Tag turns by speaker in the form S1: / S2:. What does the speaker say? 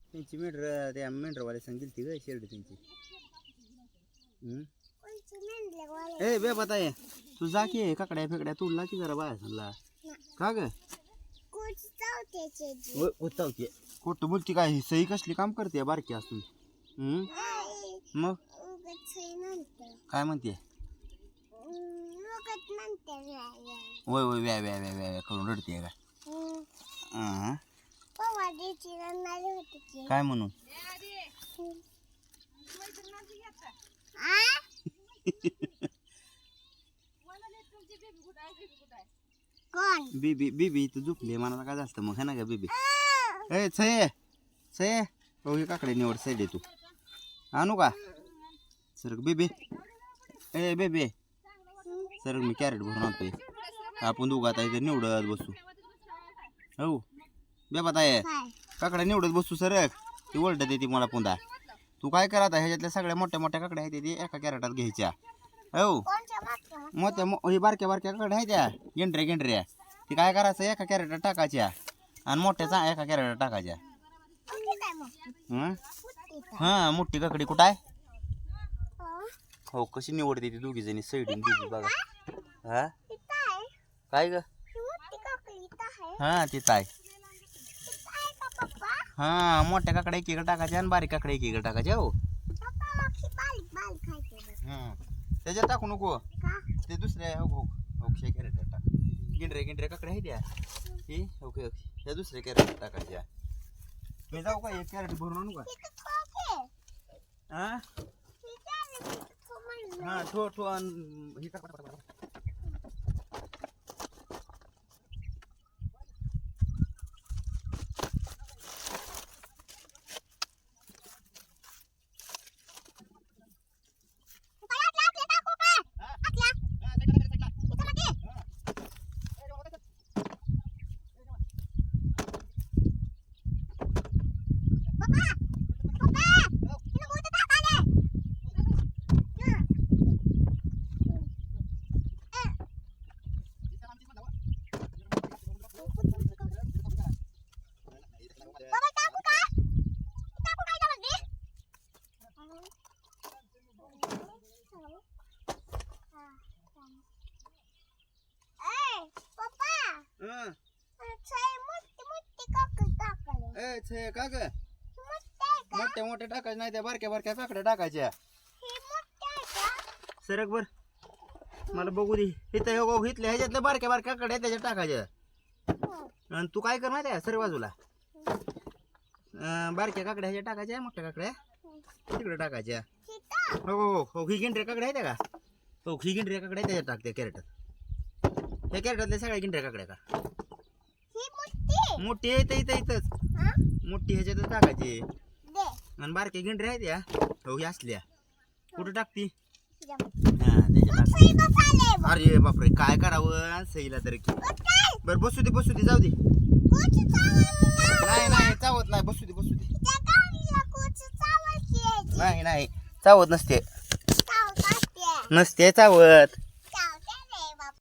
S1: त्यांची मेंढर त्या मेंढरवाले सांगितली ती ग शेरडी त्यांची. ए बे बताय तू जा की काकड्या फेकड्या तुडला की जरा बाहेर सांगला का ग चावते खोट बोलती काय ही सही कसली काम करते बारकी असून. मग काय म्हणते वय वय व्या व्या व्या व्या करून रडते का काय म्हणून बीबी बीबी इथं झोपली मला काय झालं मग है ना का बीबी. ए छये छये हो हे काकडे निवड साईड तू आणू का सर बीबी. ए बेबी सर मी कॅरेट भरून आणतोय आपण दोघं आता इथे निवडत बसू. हो बेबात आहे काकड्या निवडत बसू सर ती ओरडत येते मला पुन्हा. तू काय करा आता ह्याच्यातल्या सगळ्या मोठ्या मोठ्या काकड्या आहेत ते एका कॅरेटात घ्यायच्या. हो मोठ्या हे बारक्या बारक्या काकड्या आहेत त्या गेंढऱ्या गेंढऱ्या ती काय करायचं एका कॅरेटात टाकायच्या आणि मोठ्याचा एका कॅरेटात टाकायच्या. हा मोठी काकडी कुठं आहे हो कशी निवडते ती दोघी जणी सैडून बीबी बघा. हा काय ग हा तिथं आहे. हा मोठ्या काकड्या एकीकडे टाकायच्या आणि बारीक काकड्या एकीकडे टाकायच्या. हो त्याच्यात टाकू नको ते दुसऱ्या हो ओके कॅरेटात टाक. गिंडऱ्या गिंडऱ्या काकड्या आहेत त्या ही ओके ओके ह्या दुसऱ्या कॅरेटात टाकायच्या. मी जाऊ का एक कॅरेट भरून आणू का हा ठो ठो हे का का ग मोठ्या मोठ्या टाकायच्या नाही त्या बारक्या बारक्या काकड्या टाकायच्या. सरक बर मला बघू दे इथं हो घेतल्या ह्याच्यातल्या बारक्या बारक्या काकड्या त्याच्यात टाकायच्या. आणि तू काय कर माहिती आहे सर बाजूला बारक्या काकड्या ह्याच्यात टाकायच्या मोठ्या काकड्या तिकडे टाकायच्या. हो हो हो ही गिंडऱ्या काकड्या आहेत का हो ही गिंडऱ्या काकड्या त्याच्यात टाकते कॅरेटात. ह्या कॅरेटातल्या सगळ्या गिंडऱ्या काकड्या का मोठी येते इथं इथंच मोठी ह्याच्यातच टाकायची आणि बारक्या गिंडऱ्या आहेत या हो ही असल्या कुठं टाकती अरे बापरे काय करावं सईला तर की बर बसू दे जाऊ दे नाही नाही चावत नाही बसू दे नाही नाही चावत नसते चावत